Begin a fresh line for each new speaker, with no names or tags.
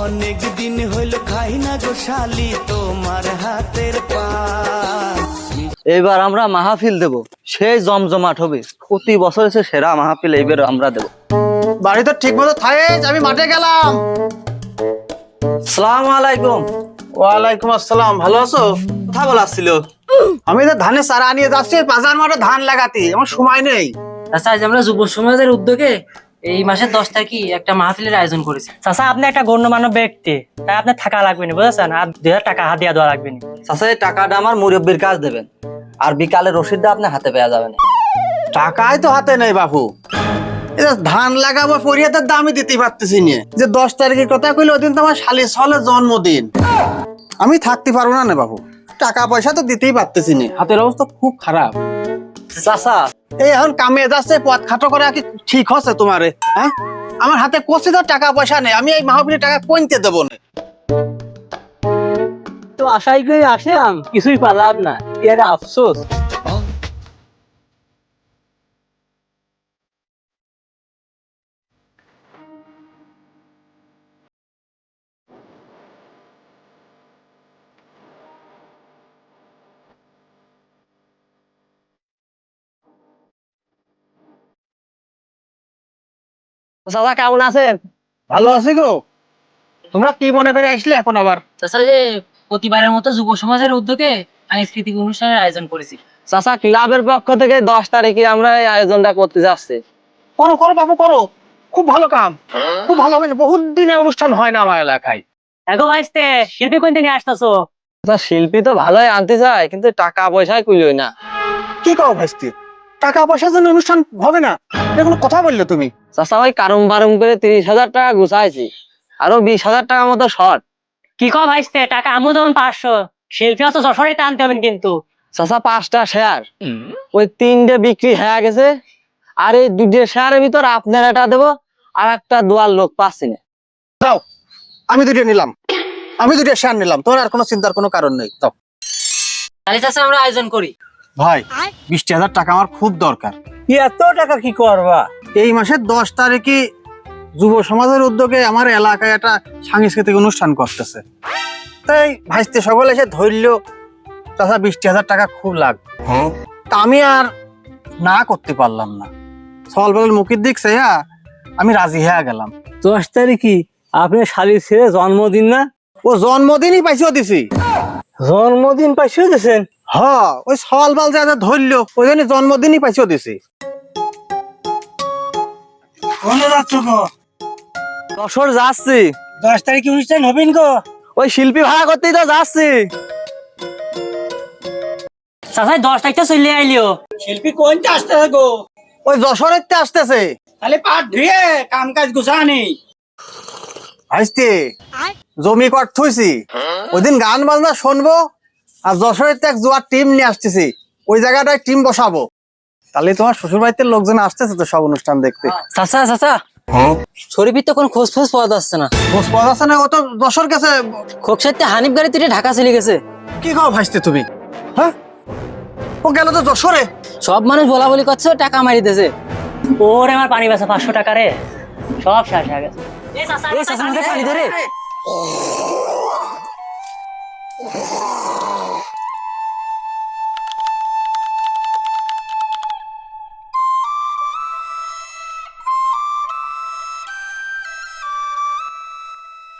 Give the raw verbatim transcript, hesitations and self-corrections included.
অনেক দিন হইল খাই না গো শালি তোমার হাতের পান।
এইবার আমরা মাহফিল দেব, সেই জমজমাট হবে। প্রতি বছর এসে সেরা মাহফিল এইবার আমরা দেব।
বাড়ি তো ঠিক মতো থাকেস, আমি মাঠে গেলাম।
আসসালামু আলাইকুম।
ওয়ালাইকুম আসসালাম, ভালো আছো?
কথা বলাচ্ছিল,
আমি তো ধানের চারা নিয়ে যাচ্ছি বাজার মাঠে ধান লাগাতে, আমার সময় নেই।
চাচা আজ আমরা যুব সমাজের উদ্যোগে এই মাসের দশ তারিখে একটা মাহফিলের আয়োজন করেছি। চাচা আপনি একটা গণ্যমান্য ব্যক্তি, তাই আপনার থাকা লাগবে না, বুঝেছেন? আর দুই হাজার টাকা হাত দিয়া দেওয়া লাগবে না।
চাচা এই টাকাটা আমার মুরব্বীর কাজ দেবেন, আর বিকালে রসিদটা আপনি হাতে পেয়ে যাবেন।
টাকাই তো হাতে নেই বাপু, এটা ধান লাগাবো পরিয়াতের দামই দিতে পারতেছি না। যে দশ তারিখের কথা কইলে ওদিন তো আমার শালি সলের জন্মদিন, আমি থাকতে পারবো না না বাপু। টাকা পয়সা তো দিতেই পারতেছি না, হাতের অবস্থা খুব খারাপ।
চাচা
এই এখন কামে যাচ্ছে, পথ খাটো করে কি ঠিক হচ্ছে তোমারে? হ্যাঁ, আমার হাতে কোচে তো টাকা পয়সা নেই, আমি এই মাহফিলের টাকা কইতে দেবো না।
তো আশাই করে আসলাম, কিছুই পালাম না, এর আফসোস।
চাচা কেমন আছেন?
ভালো আছে গো। তোমরা কি মনে করে আসলে এখন আবার?
চাচা যে প্রতিবারের মতো যুব সমাজের উদ্যোগে সাংস্কৃতিক অনুষ্ঠানের আয়োজন করেছি।
চাচা ক্লাবের পক্ষ থেকে দশ তারিখে আমরা এই আয়োজনটা করতে যাচ্ছি।
করো করো বাবু করো, খুব ভালো কাম, খুব ভালো হবে। বহুত দিনে অনুষ্ঠান হয় না আমার এলাকায়।
এগো ভাইস্তে, শিল্পী কোন থেকে আসতেছো?
চাচা শিল্পী তো ভালোই আনতে চায়, কিন্তু টাকা পয়সায় কুলোই না।
কি কও ভাইস্তি, টাকা পয়সার জন্য অনুষ্ঠান হবে না? এটা কোনো কথা বললে তুমি?
চাচা ওই কারুম বারুম করে তিরিশ হাজার টাকা গুছাইছি, আরো বিশ হাজার টাকা মতো শর্ট।
কি কও ভাইস্তে, টাকা আমু যেমন পাঁচশো, শিল্পী তো যশোরে টানতে হবেন কিন্তু।
চাচা পাঁচটা শেয়ার, ওই তিনটে বিক্রি হয়ে গেছে, আর এই দুটো শেয়ারের ভিতর আপনার এটা দেবো, আর একটা দোয়ার লোক পাচ্ছি না।
দাও, আমি দুটো নিলাম, আমি দুটো শেয়ার নিলাম, তোমার আর কোনো চিন্তার কোনো কারণ নেই। দাও
তাহলে চাচা আমরা আয়োজন করি।
ভাই, বিশ হাজার টাকা আমার খুব দরকার।
এত টাকা কি করবা?
এই মাসের দশ তারিখে যুব সমাজের উদ্যোগে আমার এলাকায় একটা সাংস্কৃতিক অনুষ্ঠান করতেছে, তাই ভাইস্তে সকলে এসে ধরল চাচা বিশ হাজার টাকা খুব লাগবে। তা আমি আর না করতে পারলাম না, সল বলের মুখের দিক চাইয়া আমি রাজি হয়ে গেলাম।
দশ তারিখে আপনার শালির ছেলে জন্মদিন না?
ও জন্মদিনই পাইছেও দিছি।
জন্মদিন পাইছেও দিয়েছেন?
হ, ওই সল বাল যা যা ধরলো ওই জন্য জন্মদিনই পাইছেও দিছি।
যশোর যাচ্ছি।
দশ তারিখে অনুষ্ঠান হবেন গো?
ওই শিল্পী ভাড়া করতেই তো যাচ্ছি।
চাচাই দশ তারিখটা চলে আইলিও। শিল্পী কোনটা আসতে গো?
ওই যশোরের তে আসতেছে।
তাহলে পাট ধুয়ে কাম কাজ গুছানি।
ভাইস্তে জমি কট থুইছি, ওই দিন গান বাজনা শুনবো, আর যশোরের এক জুয়ার টিম নিয়ে আসতেছি, ওই জায়গাটায় টিম বসাবো। তাহলে তোমার শ্বশুর বাড়িতে লোকজন আসতেছে তো সব অনুষ্ঠান দেখতে।
চাচা চাচা, শরীফের তো কোনো খোঁজ ফোঁজ পাওয়া যাচ্ছে না।
খোঁজ পাওয়া যাচ্ছে না, ও তো যশোর গেছে।
খোকসাইতে হানিফ গাড়ি তুলে ঢাকা চলে গেছে।
কি কও ভাইস্তে তুমি? হ্যাঁ, ও গেল তো যশোরে।
সব মানুষ বলা বলি করছে, টাকা মারিতেছে। ওরে আমার পানি বাসা পাঁচশো টাকা রে, সব শেষ হয়ে গেছে। এই চাচা, এই চাচা আমাদের পানি ধরে।